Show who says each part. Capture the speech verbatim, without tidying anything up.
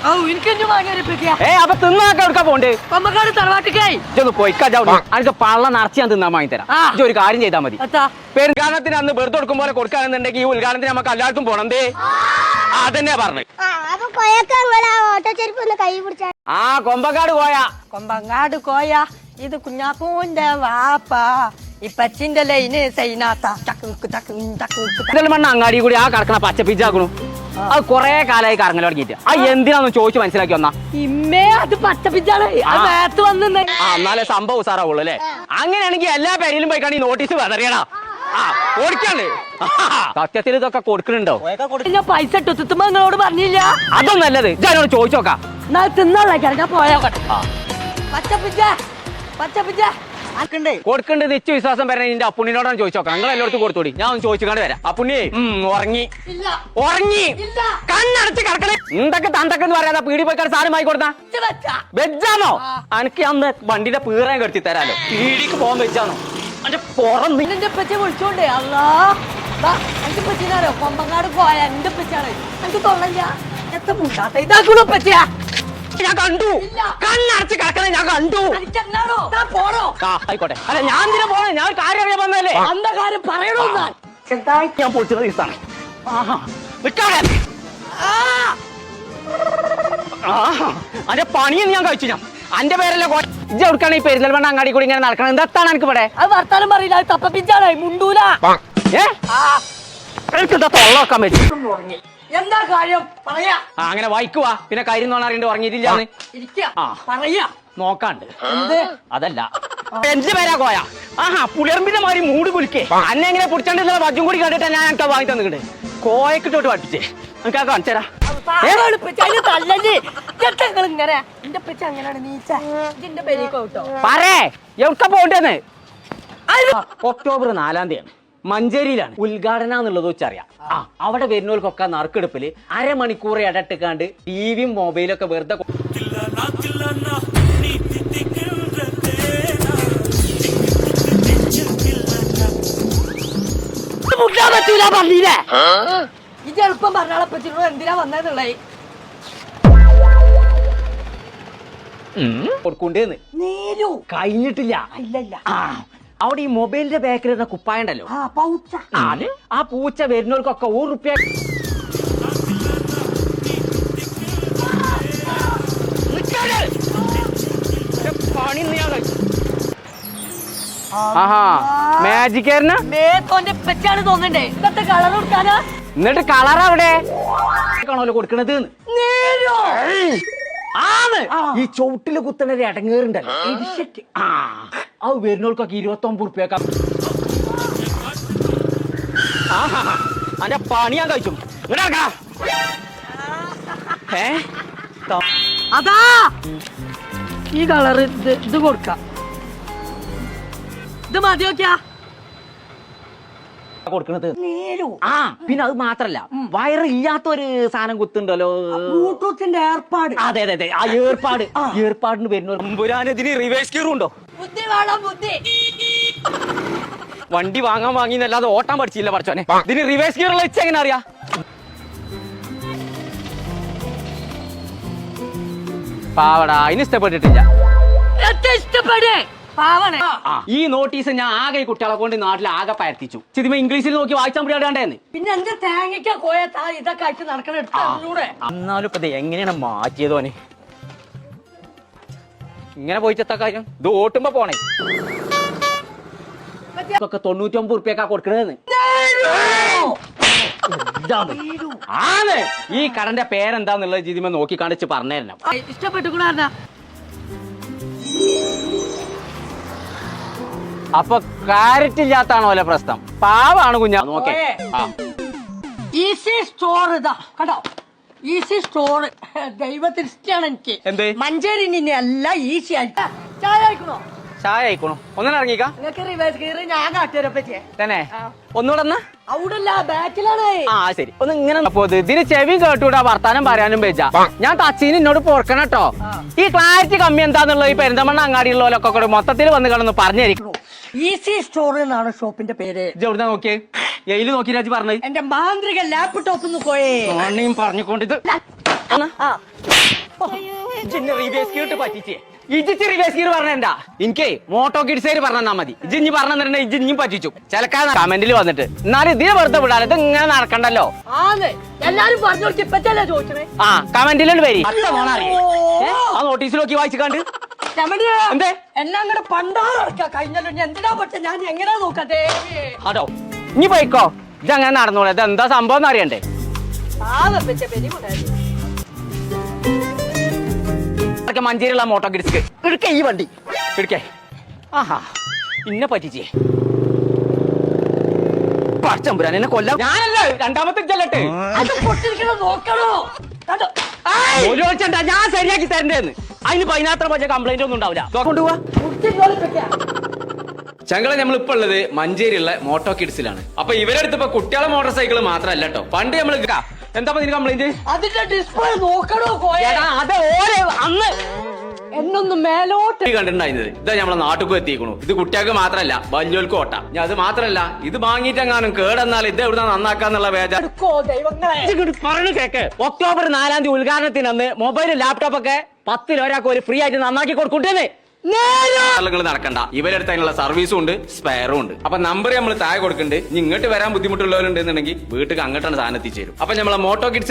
Speaker 1: ഏ അപ്പൊ തിന്നാക്കെ എടുക്കാൻ പോണ്ട് പോയിക്കാ പള്ള നിറച്ച് ഞാൻ തിന്നാൻ വാങ്ങി തരാം ഒരു കാര്യം ചെയ്താൽ മതി. പെരുങ്കാലത്തിന് അന്ന് വെറുതെ കൊടുക്കും പോലെ കൊടുക്കാണെന്നുണ്ടെങ്കിൽ ഈ ഉദ്ഘാടനത്തിന് നമുക്ക് എല്ലാവർക്കും പോണേ. അതന്നെയാ പറഞ്ഞു. ആ കൊമ്പങ്കാട് കോയ
Speaker 2: കൊമ്പങ്ങാട് കോയ ഇത് കുഞ്ഞാപ്പൂന്റെ വാപ്പ ഇപ്പച്ചിന്റെ ലൈന് സൈനാത്ത
Speaker 1: മണ്ണ അങ്ങാടി കൂടി ആ കറക്കണ പച്ച പിച്ചാക്കണു. അത് കൊറേ കാലമായി കറങ്ങൽ തുടങ്ങിയിട്ട് ആ എന്തിനാന്ന് ചോദിച്ചു മനസ്സിലാക്കി വന്നാ
Speaker 2: ഇമ്മേ അത് പച്ച പിച്ചാണ് വന്ന്
Speaker 1: എന്നാലേ സംഭവം ഉസാറാവുള്ളൂ അല്ലേ? അങ്ങനെയാണെങ്കിൽ എല്ലാ പേരിലും പോയിക്കാണ് ഈ നോട്ടീസ് വെതറിയണ കൊടുക്കണ്ട്. സത്യത്തിൽ ഇതൊക്കെ കൊടുക്കണുണ്ടോ?
Speaker 2: പൈസ ഇട്ടുത്തുമ്പോ നിങ്ങളോട് പറഞ്ഞില്ല.
Speaker 1: അതൊന്നും നല്ലത് ഞാനോട് ചോദിച്ചു നോക്കാം.
Speaker 2: തിന്നാ പോയോട്ടെ പച്ചപ്പിച്ച പച്ചപ്പിച്ച
Speaker 1: കൊടുക്കണ്ട് നിശ്ച വിശ്വാസം വരണേ നിന്റെ അപ്പുണ്ണിനോടാണ് ചോദിച്ചു നോക്കാം. നിങ്ങൾ എല്ലായിടത്തും കൊടുത്തോടി. ഞാൻ ഒന്ന് ചോദിച്ചുകൊണ്ട് വരാം. അപ്പുണ്ണിയെ ഉറങ്ങി ഉറങ്ങി കണ്ണടച്ച് കിടക്കണേ. എന്തൊക്കെ തണ്ടക്കെന്ന് പറയാതെ പീടി പോയിക്കാട് സാധനം വാങ്ങി കൊടുത്താ വെജാണോ? എനിക്ക് അന്ന് വണ്ടിയുടെ പീറയും കെടുത്തി തരാലോ. പീടിക്ക് പോകാൻ വെജാണോ? അന്റെ പുറം
Speaker 2: പച്ച വിളിച്ചോണ്ടേ അല്ലാ എന്റെ പച്ചിനാരോ കൊമ്പങ്ങാട് പോയ എന്റെ പച്ചാണ് എനിക്ക് തൊള്ളല്ല എത്ര മുണ്ടാത്ത ഇതാക്കണോ പച്ചയാ
Speaker 1: ഞാൻ കണ്ടു. കണ്ണടച്ച് കിടക്കണേ ഞാൻ കണ്ടു.
Speaker 2: പോണോ
Speaker 1: ആയിക്കോട്ടെ. അല്ല ഞാൻ ഇതിനെ പോണേ. ഞാൻ കാര്യം അറിയാൻ വന്നല്ലേ.
Speaker 2: അന്ന കാര്യം പറയണോ
Speaker 1: ഞാൻ പൊളിച്ചത് ദിവസമാണ്. അന്റെ പണിയെന്ന് ഞാൻ കഴിച്ചു. ഞാൻ അന്റെ പേരല്ലേ ഇജ്ജ് കൊടുക്കാണ് ഈ പെരിന്തൽമണ്ണ അങ്ങാടി കൂടി ഇങ്ങനെ നടക്കണം. എന്താണ് എനിക്ക് ഇവിടെ
Speaker 2: അത് വർത്താനം പറയില്ല. അത് തപ്പ പിഞ്ചാണ് മുണ്ടൂല.
Speaker 1: തൊള്ളക്കാൻ പറ്റും.
Speaker 2: എന്താ കാര്യം പറയാ.
Speaker 1: അങ്ങനെ വായിക്കുവാ പിന്നെ കാര്യം തോന്നാറുണ്ട് ഉറങ്ങിയിട്ടില്ലാന്ന്
Speaker 2: പറയാ
Speaker 1: നോക്കാണ്ട്. അതല്ല എന്റെ പേരാ കോയ. ആഹാ പുളിയർമ്പിന്റെ മാതിരി മൂട് കുലിക്കേ അന്നെ എങ്ങനെ പിടിച്ചോണ്ടിരുന്ന വജും കൂടി കണ്ടിട്ട് ഞാൻ എനിക്ക് വാങ്ങി തന്നിട്ട് കോയക്കിട്ടോട്ട് പഠിപ്പിച്ചേ. എനിക്ക് ആ കാണിച്ചരാ. പറേ എവിടെ പോണ്ടേന്ന്. ഒക്ടോബർ നാലാം തീയതി മഞ്ചേരിയിലാണ് ഉദ്ഘാടനം എന്നുള്ളത് വെച്ചറിയാം. ആ അവിടെ വരുന്നവർക്കൊക്കെ നറുക്കെടുപ്പില് അരമണിക്കൂർ ഇടട്ടിക്കാണ്ട് ടിവിയും മൊബൈലും ഒക്കെ വെറുതെ
Speaker 2: പറ്റൂല പറഞ്ഞില്ലേ. ഇത് എളുപ്പം പറഞ്ഞാളെ പറ്റിനോട് എന്തിനാ വന്നതെന്നുള്ളേ
Speaker 1: കൊടുക്കണ്ടേന്ന് കഴിഞ്ഞിട്ടില്ല.
Speaker 2: ഇല്ല
Speaker 1: അവിടെ ഈ മൊബൈലിന്റെ ബാക്കിൽ ഇരുന്ന കുപ്പായുണ്ടല്ലോ ആ പൂച്ച വരുന്നവർക്കൊക്കെ ഒരു റുപ്യ മാജിക്കാരനാ
Speaker 2: പെറ്റാണ് തോന്നണ്ടേ. ഇന്നത്തെ കളർ കൊടുക്കാനാ.
Speaker 1: എന്നിട്ട് കളർ അവിടെ കാണല്ലോ കൊടുക്കണത്. ആണ് ഈ ചുവട്ടില് കുത്തണ ഒരു ഇടങ്ങേറുണ്ടല്ലോ. ആ അത് വരുന്നവർക്കൊക്കെ ഇരുപത്തി ഒമ്പത് റുപ്യക്ക. അന്റെ പണി ഞാൻ കഴിച്ചു. ഏ
Speaker 2: അതാ ഈ കളർ ഇത് ഇത് കൊടുക്കാം. ഇത് മതി നോക്കിയാ
Speaker 1: കൊടുക്കണത്. ആ പിന്നെ അത് മാത്രല്ല വയറില്ലാത്ത ഒരു സാധനം കുത്തുണ്ടല്ലോ
Speaker 2: ബ്ലൂടൂത്തിന്റെ ഏർപ്പാട്.
Speaker 1: അതെ അതെ അതെ ആ ഏർപ്പാട് ഏർപ്പാടിന് വരുന്ന ഇതിന് റിവേഴ്സ് ഗിയർ ഉണ്ടോ?
Speaker 2: ബുദ്ധി വേണം ബുദ്ധി.
Speaker 1: വണ്ടി വാങ്ങാൻ വാങ്ങിന്നല്ലാതെ ഓട്ടാൻ പഠിച്ചില്ല പഠിച്ചോനെ. ഇതിന് റിവേഴ്സ് ഗിയർ ഉള്ള വെച്ച് എങ്ങനെ അറിയാ? പാവടാ അതിന് ഇഷ്ടപ്പെട്ടിട്ടില്ല.
Speaker 2: ഇഷ്ടപ്പെടേ
Speaker 1: ഈ നോട്ടീസ് ഞാൻ ആകെ കുട്ടികളെ കൊണ്ട് നാട്ടിൽ ആകെ പരത്തിച്ചു. ഇതിമ ഇംഗ്ലീഷിൽ നോക്കി വായിച്ചാൽ മുടിയാണ്ടേന്ന്.
Speaker 2: പിന്നെ എന്റെ തേങ്ങയ്ക്ക കോയത്താ ഇതൊക്കെ ആയിട്ട് നടക്കണ.
Speaker 1: എന്നാലും ഇപ്പൊ എങ്ങനെയാണ് മാറ്റിയതോനെ ഇങ്ങനെ പോയിച്ചത്ത കാര്യം. ഇത് ഓട്ടുമ്പോ പോണേ ഒക്കെ തൊണ്ണൂറ്റി ഒമ്പത് റുപ്യക്കാ കൊടുക്കണേന്ന്. ആണ് ഈ കടന്റെ പേരെന്താന്നുള്ളത് ഇതിമ നോക്കി കാണിച്ച് പറഞ്ഞു തരണം.
Speaker 2: ഇഷ്ടപ്പെട്ടുകൂടാ.
Speaker 1: അപ്പൊ ക്ലാരിറ്റി ഇല്ലാത്താണോ അല്ലെ പ്രശ്നം? പാവാണ് കുഞ്ഞാ. നോക്കേ
Speaker 2: ഈസി സ്റ്റോർ ഇതാ കണ്ടോ. ഈസി സ്റ്റോർ ദൈവത്തിന് ഇഷ്ടമാണ് എനിക്ക്.
Speaker 1: എന്ത്
Speaker 2: മഞ്ചേരി എല്ലാം ഈസി ആയിട്ട്. ചായ കഴിക്കണോ?
Speaker 1: ചായ കഴിക്കണോ? ഒന്നും ഇറങ്ങിക്കാ.
Speaker 2: നിങ്ങൾക്ക് റിവേഴ്സ് ഗിയർ ഞാൻ കാട്ടുവരപ്പറ്റേ
Speaker 1: തന്നെ ഒന്നുകൂടെ
Speaker 2: അവിടല്ല ബാക്കിലാണ്.
Speaker 1: ആ ശരി ഒന്ന് ഇങ്ങനെ ഇതിന് ചെവി കേട്ടൂടാ വർത്താനം പറയാനും വെച്ചാ. ഞാൻ തച്ചീന് എന്നോട് പൊറക്കണം കേട്ടോ. ഈ ക്ലാരിറ്റി കമ്മി എന്താന്നുള്ളത് ഈ പെരിന്തൽമണ്ണ അങ്ങാടിയുള്ളവരൊക്കെ കൂടെ മൊത്തത്തിൽ വന്ന് കിടന്ന് പറഞ്ഞിരിക്കണു.
Speaker 2: ഈസി സ്റ്റോർ എന്നാണ് ഷോപ്പിന്റെ പേര്.
Speaker 1: എവിടുന്ന നോക്കിയേ? എയില് നോക്കി രാജി പറഞ്ഞത്.
Speaker 2: എന്റെ മാന്ത്രിക ലാപ്ടോപ്പ് പോയേ
Speaker 1: പറഞ്ഞുകൊണ്ടിത്
Speaker 2: ആ
Speaker 1: റിവേഴ്സ് ഗിയർ പറ്റിച്ചേ ഇജിച്ച് റിവേഴ്സ് ഗിയർ പറഞ്ഞ എനിക്ക് മോട്ടോ കിഡ്സേര് പറഞ്ഞാ മതി ഇജിഞ്ഞ് പറഞ്ഞിട്ടുണ്ടെ ഇജിഞ്ഞും പറ്റിച്ചു ചിലക്കാ കമന്റിൽ വന്നിട്ട് എന്നാലും ഇതിനെ വെറുതെ വിടാതെ ഇത് ഇങ്ങനെ നടക്കണ്ടല്ലോ
Speaker 2: ആന്ന് എല്ലാരും പറഞ്ഞു കൊടുത്ത് ഇപ്പച്ചല്ലേ ചോദിച്ചേ
Speaker 1: ആ കമന്റിലുണ്ട് വരി ആ നോട്ടീസിൽ നോക്കി വായിച്ചിക്കാണ്ട് എന്തേ
Speaker 2: എന്നെ അങ്ങനെ പണ്ടാറടക്കാ കഴിഞ്ഞല്ലോ ഞാൻ എന്തിനാ പക്ഷെ ഞാൻ എങ്ങനെയാ നോക്കട്ടെ
Speaker 1: അതോ ഇനി പോയിക്കോ ഇത് അങ്ങനെ നടന്നോളൂ ഇത് എന്താ സംഭവം എന്ന് അറിയണ്ടേ മഞ്ചേരിയുള്ള മോട്ടോ കിഡ്സ് എടുക്ക ഈ വണ്ടി എടുക്കേ ആഹാ ഇന്നെ പറ്റിച്ചേ പച്ചമ്പുരാൻ എന്നെ കൊല്ലാം ഞാനല്ല രണ്ടാമത്തെ ചെല്ലട്ടെ
Speaker 2: അത് പൊട്ടിരിക്കണ നോക്കണോ കണ്ടോ? ആയ്!
Speaker 1: ഒരു വെച്ചണ്ട ഞാൻ ശരിയാക്കി തരണ്ടേന്ന് അതിന് പതിനാത്ര പക്ഷേ കംപ്ലൈന്റ് ഒന്നും ഉണ്ടാവില്ല കൊണ്ടുപോവാ
Speaker 2: കുട്ടികളെ പറ്റിയാ.
Speaker 1: ചങ്ങളെ നമ്മളിപ്പോ ഉള്ളത് മഞ്ചേരിയുള്ള മോട്ടോ കിഡ്സിലാണ് അപ്പൊ ഇവരടുത്ത് ഇപ്പൊ കുട്ടികളെ മോട്ടോർ സൈക്കിൾ മാത്രല്ല കേട്ടോ പണ്ട് നമ്മൾ എന്താ നിന് കംപ്ലൈന്റ്
Speaker 2: അതിന്റെ ഡിസ്പ്ലേ നോക്കണോ കോയ
Speaker 1: അത് ഓരോ അന്ന്
Speaker 2: എന്നൊന്ന് മേലോട്ട്
Speaker 1: കണ്ടിട്ടുണ്ടായിരുന്നത് ഇതാ നമ്മളെ നാട്ടുക്കും എത്തിക്കണു ഇത് കുട്ടികൾക്ക് മാത്രല്ല വലിയോൽക്കും ഓട്ട ഞാൻ അത് മാത്രല്ല ഇത് വാങ്ങിയിട്ടെങ്ങാനും കേടെന്നാൽ ഇത് എവിടെ നന്നാക്കാന്നുള്ള വേജ
Speaker 2: എടുക്കോ ദൈവങ്ങളെ
Speaker 1: പറഞ്ഞു കേക്ക് ഒക്ടോബർ നാലാം തീയതി ഉദ്ഘാടനത്തിന് അന്ന് മൊബൈലും ലാപ്ടോപ്പ് ഒക്കെ പത്തിൽ ഒരാൾക്ക് ഒരു ഫ്രീ ആയിട്ട് നന്നാക്കി കൊടുക്കൂട്ടേന്ന് നിങ്ങൾ നടക്കണ്ട ഇവരടുത്ത് അതിനുള്ള സർവീസും ഉണ്ട് സ്പെയറും ഉണ്ട് അപ്പൊ നമ്പർ നമ്മൾ താഴെ കൊടുക്കുന്നുണ്ട് ഇനി ഇങ്ങോട്ട് വരാൻ ബുദ്ധിമുട്ടുള്ളവരുണ്ടെന്നുണ്ടെങ്കിൽ വീട്ടിൽ അങ്ങോട്ടാണ് സാധനം എത്തിച്ചേരും അപ്പൊ നമ്മളെ മോട്ടോ കിഡ്സ്